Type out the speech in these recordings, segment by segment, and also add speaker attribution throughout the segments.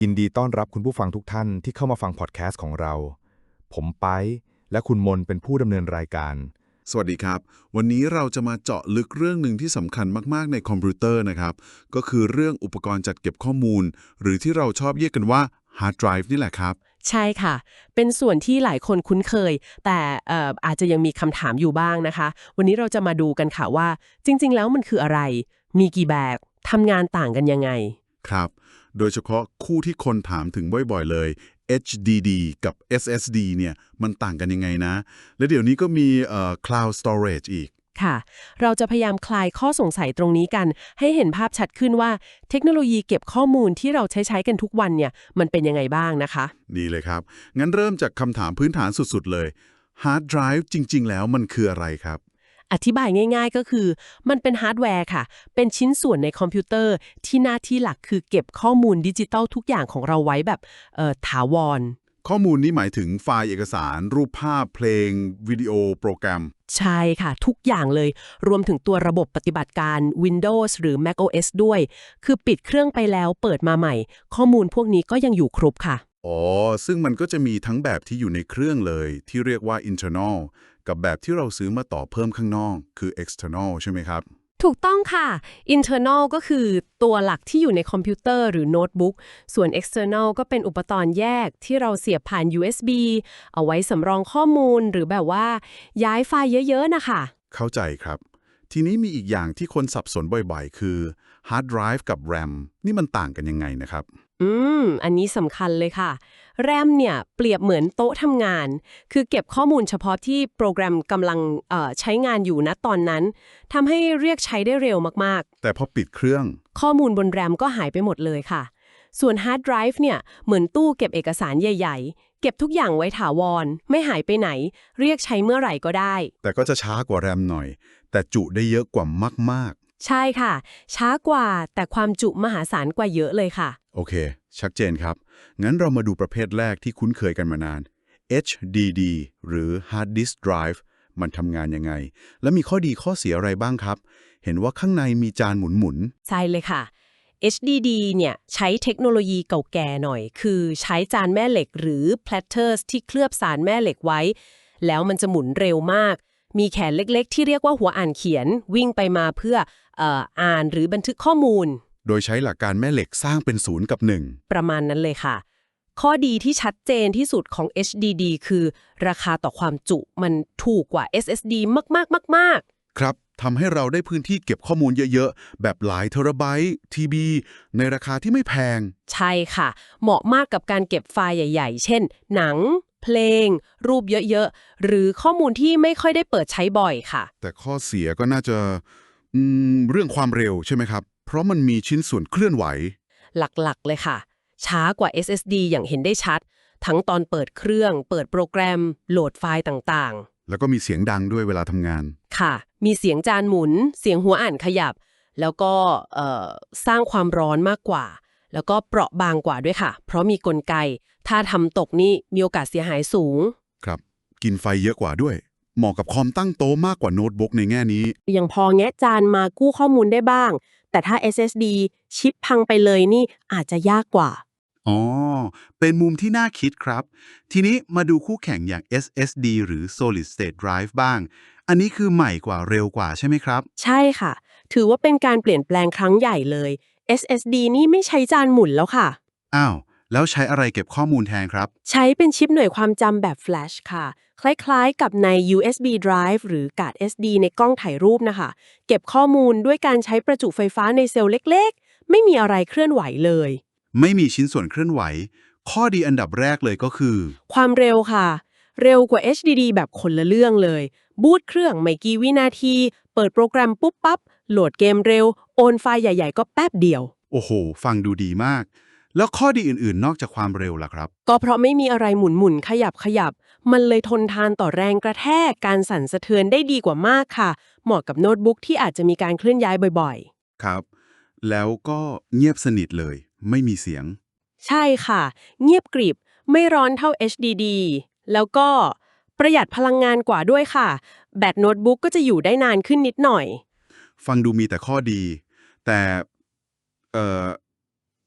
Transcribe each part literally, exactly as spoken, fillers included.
Speaker 1: ยินดีต้อนรับคุณผู้ฟังทุกท่านที่เข้ามาฟังพอดแคสต์ของเรา ผมไปและคุณมนเป็นผู้ดำเนินรายการ
Speaker 2: สวัสดีครับ วันนี้เราจะมาเจาะลึกเรื่องหนึ่งที่สำคัญมากๆในคอมพิวเตอร์นะครับ ก็คือเรื่องอุปกรณ์จัดเก็บข้อมูล หรือที่เราชอบเรียกกันว่าฮาร์ดไดรฟ์นี่แหละครับ
Speaker 3: ใช่ค่ะ เป็นส่วนที่หลายคนคุ้นเคย แต่เอ่ออาจจะยังมีคำถามอยู่บ้างนะคะ วันนี้เราจะมาดูกันค่ะว่า จริงๆ แล้วมันคืออะไร มีกี่แบบทำงานต่างกันยังไง
Speaker 2: ครับ โดยเฉพาะคู่ที่คนถามถึงบ่อยๆเลย เอช ดี ดี กับ เอส เอส ดี เนี่ยมันต่างกันยังไงนะ และเดี๋ยวนี้ก็มีเอ่อ Cloud Storage อีก
Speaker 3: ค่ะ เราจะพยายามคลายข้อสงสัยตรงนี้กัน ให้เห็นภาพชัดขึ้นว่าเทคโนโลยีเก็บข้อมูลที่เราใช้ใช้กันทุกวันเนี่ยมันเป็นยังไงบ้างนะคะ
Speaker 2: ดีเลยครับ งั้นเริ่มจากคำถามพื้นฐานสุดๆเลยฮาร์ดไดรฟ์จริงๆแล้วมันคืออะไรครับ
Speaker 3: อธิบายง่ายๆก็คือมันเป็นฮาร์ดแวร์ค่ะ เป็นชิ้นส่วนในคอมพิวเตอร์ที่หน้าที่หลักคือเก็บข้อมูลดิจิทัลทุกอย่างของเราไว้แบบเอ่อถาวร
Speaker 2: ข้อมูลนี้หมายถึงไฟล์เอกสาร รูปภาพเพลง วิดีโอโปรแกรม
Speaker 3: ใช่ค่ะ ทุกอย่างเลย รวมถึงตัวระบบปฏิบัติการ Windows หรือ macOS ด้วย คือปิดเครื่องไปแล้วเปิดมาใหม่ ข้อมูลพวกนี้ก็ยังอยู่ครบค่ะ
Speaker 2: อ๋อ ซึ่งมันก็จะมีทั้งแบบที่อยู่ในเครื่องเลย ที่เรียกว่า internal กับแบบที่เราซื้อมาต่อเพิ่มข้างนอก คือ external ใช่ไหมครับ
Speaker 3: ถูกต้องค่ะ internal ก็คือตัวหลักที่อยู่ในคอมพิวเตอร์หรือโน้ตบุ๊ก ส่วน external ก็เป็นอุปกรณ์แยกที่เราเสียบผ่าน ยู เอส บี เอาไว้สำรองข้อมูลหรือแบบว่าย้ายไฟล์เยอะๆนะคะ
Speaker 2: เข้าใจครับ ทีนี้มีอีกอย่างที่คนสับสนบ่อยๆ คือ hard drive กับ RAM นี่มันต่างกันยังไงนะครับ
Speaker 3: อืม อันนี้สำคัญเลยค่ะ แรมเนี่ยเปรียบเหมือนโต๊ะทำงาน คือเก็บข้อมูลเฉพาะที่โปรแกรมกำลังเอ่อใช้งานอยู่ณตอนนั้นทำให้เรียกใช้ได้เร็วมาก
Speaker 2: แต่พอปิดเครื่อง
Speaker 3: ๆ ข้อมูลบนแรมก็หายไปหมดเลยค่ะ ส่วนฮาร์ดไดรฟ์เนี่ยเหมือนตู้เก็บเอกสารใหญ่ๆ เก็บทุกอย่างไว้ถาวร ไม่หายไปไหน เรียกใช้เมื่อไหร่ก็ได้
Speaker 2: แต่ก็จะช้ากว่า RAM หน่อย แต่จุได้เยอะกว่ามาก
Speaker 3: ใช่ค่ะ ช้ากว่าแต่ความจุมหาศาลกว่าเยอะเลยค่ะ
Speaker 2: ๆ โอเค ชัดเจนครับ งั้นเรามาดูประเภทแรกที่คุ้นเคยกันมานาน เอช ดี ดี หรือ Hard Disk Drive มันทำงานยังไง และมีข้อดีข้อเสียอะไรบ้างครับ เห็นว่าข้างในมีจานหมุนๆ
Speaker 3: ใช่เลยค่ะ เอช ดี ดี เนี่ยใช้เทคโนโลยีเก่าแก่หน่อย คือใช้จานแม่เหล็กหรือ platters ที่เคลือบสารแม่เหล็กไว้ แล้วมันจะหมุนเร็วมาก มีแขนเล็กๆ ที่เรียกว่าหัวอ่านเขียนวิ่งไปมาเพื่อเอ่ออ่านหรือบันทึกข้อมูล
Speaker 2: โดยใช้หลักการแม่เหล็กสร้างเป็นศูนย์กับหนึ่ง
Speaker 3: ประมาณนั้นเลยค่ะ ข้อดีที่ชัดเจนที่สุดของ เอช ดี ดี คือราคาต่อความจุมันถูกกว่า เอส เอส ดี มากๆๆๆ
Speaker 2: ครับทำให้เราได้พื้นที่เก็บข้อมูลเยอะๆ แบบหลายเทราไบต์ทีบีในราคาที่ไม่แพง
Speaker 3: ใช่ค่ะ เหมาะมากกับการเก็บไฟล์ใหญ่ๆ เช่น หนัง เพลง รูปเยอะๆ หรือข้อมูลที่ไม่ค่อยได้เปิดใช้บ่อยค่ะ
Speaker 2: แต่ข้อเสียก็น่าจะอืมเรื่องความเร็วใช่ไหมครับ เพราะมันมีชิ้นส่วนเคลื่อนไหว
Speaker 3: หลักๆ เลยค่ะ ช้ากว่า เอส เอส ดี อย่างเห็นได้ชัด ทั้งตอนเปิดเครื่อง เปิดโปรแกรม โหลดไฟล์ต่าง
Speaker 2: แล้วก็มีเสียงดังด้วยเวลาทำงาน
Speaker 3: ๆ ค่ะ มีเสียงจานหมุน เสียงหัวอ่านขยับ แล้วก็เอ่อสร้างความร้อนมากกว่า แล้วก็เปราะบางกว่าด้วยค่ะ เพราะมีกลไก ถ้าทำตกนี่มีโอกาสเสียหายสูง
Speaker 2: ครับ กินไฟเยอะกว่าด้วย เหมาะกับคอมตั้งโต๊ะมากกว่าโน้ตบุ๊กในแง่นี้
Speaker 3: ยังพอแงะจานมากู้ข้อมูลได้บ้าง แต่ถ้า เอส เอส ดี ชิปพังไปเลยนี่อาจจะยากกว่า
Speaker 2: อ๋อ เป็นมุมที่น่าคิดครับ ทีนี้มาดูคู่แข่งอย่าง เอส เอส ดี หรือ Solid State Drive บ้าง อันนี้คือใหม่กว่าเร็วกว่าใช่ไหมครับ
Speaker 3: ใช่ค่ะ ถือว่าเป็นการเปลี่ยนแปลงครั้งใหญ่เลย เอส เอส ดี นี่ไม่ใช้จานหมุนแล้วค่ะ
Speaker 2: อ้าว แล้วใช้อะไรเก็บข้อมูลแทนครับ
Speaker 3: ใช้เป็นชิปหน่วยความจำแบบ Flash ค่ะ คล้ายๆกับใน ยู เอส บี Drive หรือการ์ด เอส ดี ในกล้องถ่ายรูปนะคะ เก็บข้อมูลด้วยการใช้ประจุไฟฟ้าในเซลล์เล็กๆ ไม่มีอะไรเคลื่อนไหวเลย
Speaker 2: ไม่มีชิ้นส่วนเคลื่อนไหว ข้อดีอันดับแรกเลยก็คือ
Speaker 3: ความเร็วค่ะ เร็วกว่า เอช ดี ดี แบบคนละเรื่องเลย บูตเครื่องไม่กี่วินาที เปิดโปรแกรมปุ๊บปั๊บ โหลดเกมเร็ว โอนไฟล์ใหญ่ๆ ก็แป๊บเดียว
Speaker 2: โอ้โห ฟังดูดีมาก แล้วข้อดีอื่นๆ นอกจากความเร็วล่ะครับ
Speaker 3: ก็เพราะไม่มีอะไรหมุนหมุนขยับขยับ มันเลยทนทานต่อแรงกระแทก การสั่นสะเทือนได้ดีกว่ามากค่ะ เหมาะกับโน้ตบุ๊กที่อาจจะมีการเคลื่อนย้ายบ่อย
Speaker 2: ครับ แล้วก็เงียบสนิทเลย ไม่มีเสียง
Speaker 3: ๆ ใช่ค่ะ เงียบกริบ ไม่ร้อนเท่า เอช ดี ดี แล้วก็ประหยัดพลังงานกว่าด้วยค่ะ แบตโน้ตบุ๊กก็จะอยู่ได้นานขึ้นนิดหน่อย
Speaker 2: ฟังดูมีแต่ข้อดี แต่ เอ่อ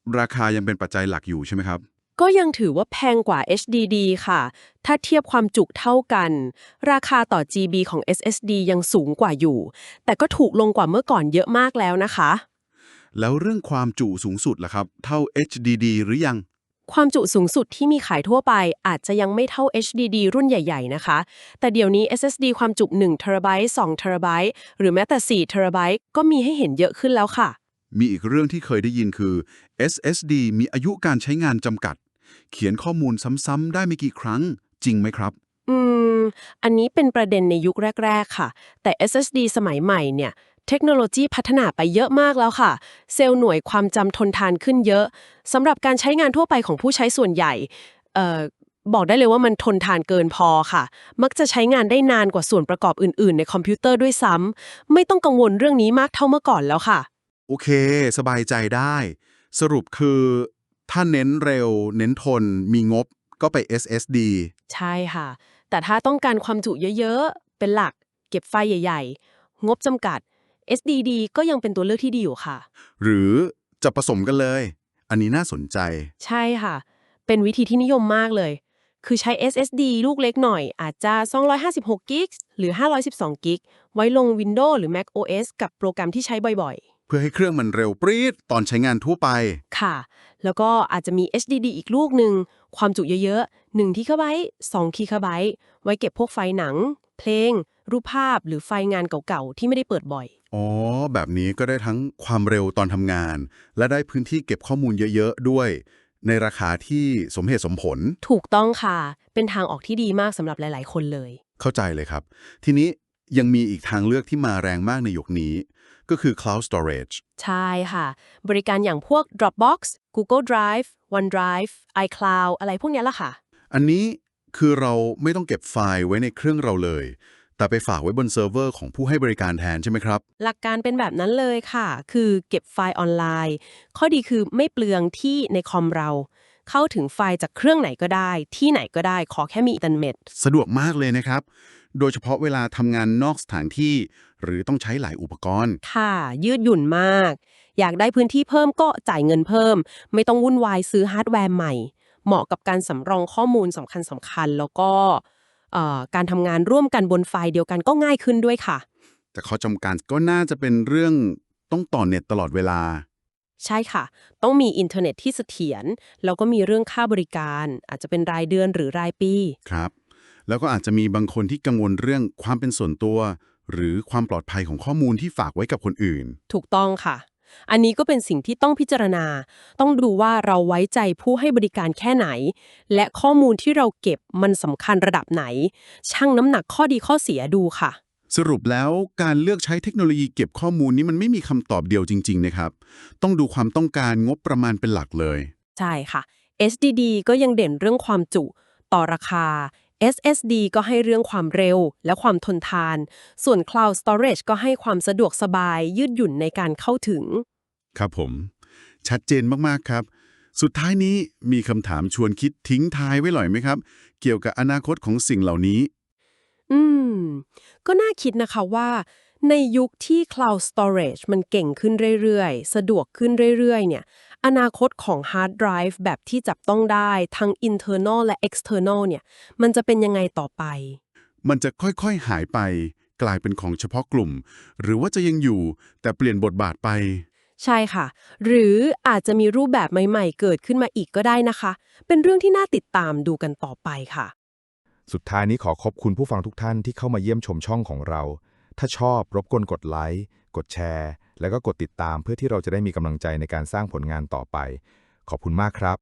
Speaker 2: ราคายังเป็นปัจจัยหลักอยู่ใช่ไหมครับ
Speaker 3: ก็ยังถือว่าแพงกว่า เอช ดี ดี ค่ะ ถ้าเทียบความจุเท่ากัน ราคาต่อ จี บี ของ เอส เอส ดี ยังสูงกว่าอยู่ แต่ก็ถูกลงกว่าเมื่อก่อนเยอะมากแล้วนะคะ
Speaker 2: แล้วเรื่องความจุสูงสุดล่ะครับเท่า เอช ดี ดี หรือยัง
Speaker 3: ความจุสูงสุดที่มีขายทั่วไปอาจจะยังไม่เท่า เอช ดี ดี รุ่นใหญ่ๆนะคะ แต่เดี๋ยวนี้ เอส เอส ดี ความจุหนึ่งเทราไบต์สองเทราไบต์หรือแม้แต่สี่เทราไบต์ก็มีให้เห็นเยอะขึ้นแล้วค่ะ
Speaker 2: มีอีกเรื่องที่เคยได้ยินคือ เอส เอส ดี มีอายุการใช้งานจำกัด เขียนข้อมูลซ้ำๆได้ไม่กี่ครั้งจริงไหมครับ
Speaker 3: อืม อันนี้เป็นประเด็นในยุคแรกๆค่ะ แต่ เอส เอส ดี สมัยใหม่เนี่ย เทคโนโลยีพัฒนาไปเยอะมากแล้วค่ะ เซลล์หน่วยความจำทนทานขึ้นเยอะสำหรับการใช้งานทั่วไปของผู้ใช้ส่วนใหญ่เอ่อบอกได้เลยว่ามันทนทานเกินพอค่ะ มักจะใช้งานได้นานกว่าส่วนประกอบอื่นๆในคอมพิวเตอร์ด้วยซ้ำไม่ต้องกังวลเรื่องนี้มากเท่าเมื่อก่อนแล้วค่ะ
Speaker 2: โอเคสบายใจได้ สรุปคือถ้าเน้นเร็ว เน้นทน มีงบก็ไป เอส เอส ดี
Speaker 3: ใช่ค่ะ แต่ถ้าต้องการความจุเยอะๆ เป็นหลัก เก็บไฟล์ใหญ่ๆ งบจำกัด เอส ดี ดี ก็ยังเป็นตัวเลือกที่ดีอยู่ค่ะ
Speaker 2: หรือจะผสมกันเลย อันนี้น่าสนใจ
Speaker 3: ใช่ค่ะ เป็นวิธีที่นิยมมากเลย คือใช้ เอส เอส ดี ลูกเล็กหน่อย อาจจะสองร้อยห้าสิบหกกิกะหรือห้าร้อยสิบสองกิกะไว้ลง Windows หรือ Mac โอ เอส กับโปรแกรมที่ใช้บ่อยๆ
Speaker 2: เพื่อให้เครื่องมันเร็วปรี๊ดตอนใช้งานทั่วไป
Speaker 3: ค่ะ แล้วก็อาจจะมี เอช ดี ดี อีกลูกหนึ่ง ความจุเยอะๆหนึ่ง ที บี สอง ที บี ไว้เก็บพวกไฟล์หนัง เพลง รูปภาพ หรือไฟล์งานเก่าๆ ที่ไม่ได้เปิดบ่อย
Speaker 2: อ๋อ แบบนี้ก็ได้ทั้งความเร็วตอนทำงาน และได้พื้นที่เก็บข้อมูลเยอะๆด้วย ในราคาที่สมเหตุสมผล
Speaker 3: ถูกต้องค่ะ เป็นทางออกที่ดีมากสำหรับหลายๆ คนเลย
Speaker 2: เข้าใจเลยครับ ทีนี้ยังมีอีกทางเลือกที่มาแรงมากในยุคนี้ ก็คือ Cloud Storage
Speaker 3: ใช่ค่ะ บริการอย่างพวก Dropbox Google Drive OneDrive iCloud อะไรพวกเนี้ยล่ะค่ะ
Speaker 2: อันนี้คือเราไม่ต้องเก็บไฟล์ไว้ในเครื่องเราเลย แต่ไปฝากไว้บนเซิร์ฟเวอร์ของผู้ให้บริการแทนใช่ไหมครับ
Speaker 3: หลักการเป็นแบบนั้นเลยค่ะ คือเก็บไฟล์ออนไลน์ ข้อดีคือไม่เปลืองที่ในคอมเรา เข้าถึงไฟล์จากเครื่องไหนก็ได้ ที่ไหนก็ได้ ขอแค่มีอินเทอร์เน็ต
Speaker 2: สะดวกมากเลยนะครับ โดยเฉพาะเวลาทำงานนอกสถานที่ หรือต้องใช้หลายอุปกรณ์
Speaker 3: ค่ะ ยืดหยุ่นมาก อยากได้พื้นที่เพิ่มก็จ่ายเงินเพิ่ม ไม่ต้องวุ่นวายซื้อฮาร์ดแวร์ใหม่ เหมาะกับการสำรองข้อมูลสำคัญสำคัญแล้วก็เอ่อการทำงานร่วมกันบนไฟล์เดียวกันก็ง่ายขึ้นด้วยค่ะ
Speaker 2: แต่ข้อจำกัดก็น่าจะเป็นเรื่องต้องต่อเน็ตตลอดเวลา
Speaker 3: ใช่ค่ะ ต้องมีอินเทอร์เน็ตที่เสถียรแล้วก็มีเรื่องค่าบริการ อาจจะเป็นรายเดือนหรือรายปี
Speaker 2: ครับ แล้วก็อาจจะมีบางคนที่กังวลเรื่องความเป็นส่วนตัว หรือความปลอดภัยของข้อมูลที่ฝากไว้กับคนอื่น
Speaker 3: ถูกต้องค่ะ อันนี้ก็เป็นสิ่งที่ต้องพิจารณา ต้องดูว่าเราไว้ใจผู้ให้บริการแค่ไหน และข้อมูลที่เราเก็บมันสำคัญระดับไหน ชั่งน้ำหนักข้อดีข้อเสียดูค่ะ
Speaker 2: สรุปแล้วการเลือกใช้เทคโนโลยีเก็บข้อมูลนี้มันไม่มีคำตอบเดียวจริงๆนะครับ ต้องดูความต้องการงบประมาณเป็นหลักเลย
Speaker 3: ใช่ค่ะ เอส ดี ดี ก็ยังเด่นเรื่องความจุต่อราคา เอส เอส ดี ก็ให้เรื่องความเร็วและความทนทาน ส่วน Cloud Storage ก็ให้ความสะดวกสบายยืดหยุ่นในการเข้าถึง
Speaker 2: ครับผม ชัดเจนมากๆครับ สุดท้ายนี้มีคำถามชวนคิดทิ้งท้ายไว้หน่อยไหมครับ เกี่ยวกับอนาคตของสิ่งเหล่านี้
Speaker 3: อืม ก็น่าคิดนะคะว่า ในยุคที่ Cloud Storage มันเก่งขึ้นเรื่อยๆ สะดวกขึ้นเรื่อยๆ เนี่ย อนาคตของ Hard Drive แบบที่จับต้องได้ทั้ง internal และ external เนี่ย มันจะเป็นยังไงต่อไป
Speaker 2: มันจะค่อยๆหายไป กลายเป็นของเฉพาะกลุ่ม หรือว่าจะยังอยู่แต่เปลี่ยนบทบาทไป
Speaker 3: ใช่ค่ะ หรืออาจจะมีรูปแบบใหม่ๆ เกิดขึ้นมาอีกก็ได้นะคะ เป็นเรื่องที่น่าติดตามดูกันต่อไปค่ะ
Speaker 1: สุดท้ายนี้ขอขอบคุณผู้ฟังทุกท่านที่เข้ามาเยี่ยมชมช่องของเรา ถ้าชอบรบกวนกดไลค์ กดแชร์ แล้วก็กดติดตามเพื่อที่เราจะได้มีกำลังใจในการสร้างผลงานต่อไป ขอบคุณมากครับ